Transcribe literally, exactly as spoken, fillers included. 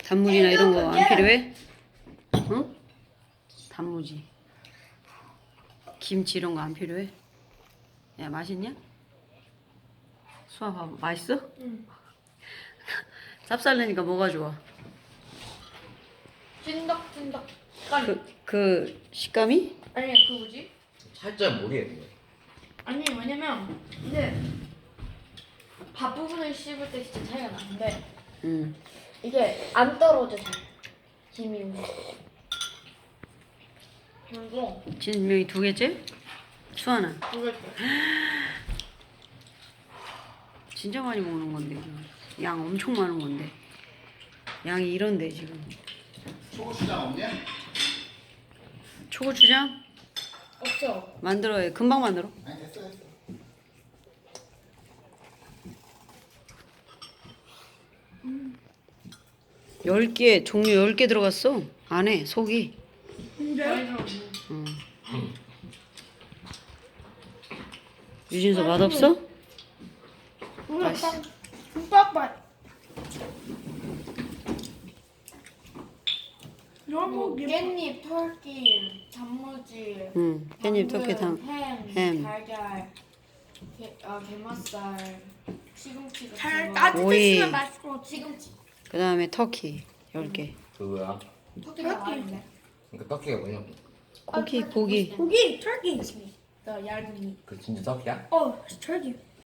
단무지나 이런 거 안 필요해? 응? 단무지. 김치 이런 거 안 필요해? 야, 맛있냐? 수아 봐봐. 맛있어? 응. 쌉쌀내니까 뭐가 좋아? 찐덕찐덕. 그, 그 식감이? 아니 그 뭐지? 살짝 모르겠네. 아니 왜냐면 이게 밥 부분을 씹을 때 진짜 차이가 나는데 응. 이게 안 떨어져 잘. 김이. 그리고 진명이 두 개째? 수아는? 두 개째. 진짜 많이 먹는 건데 이거. 양 엄청 많은 건데 양이 이런데 지금. 초고추장 없냐? 초고추장 없어. 만들어 해. 금방 만들어. 아니 됐어 됐어. 열 개 종류 열 개 들어갔어 안에 속이. 근데? 응. 유진서 맛없어? 맛있어. 김밥맛. 너무 김. 깻잎, 털기, 단무지, 응. 깻잎, 당근, 터키, 당, 햄, 햄. 달걀, 게, 아, 게맛살, 시금치 같은 잘 거. 따뜻했으면 오이. 맛있고. 시금치. 그 다음에 터키 열 개. 그거야. 토끼가 많은데. 그러니까 떡이가 뭐냐고. 고기 고기. 고기, turkey. 더 얇은 이. 그 진짜 떡이야? Oh, it's turkey.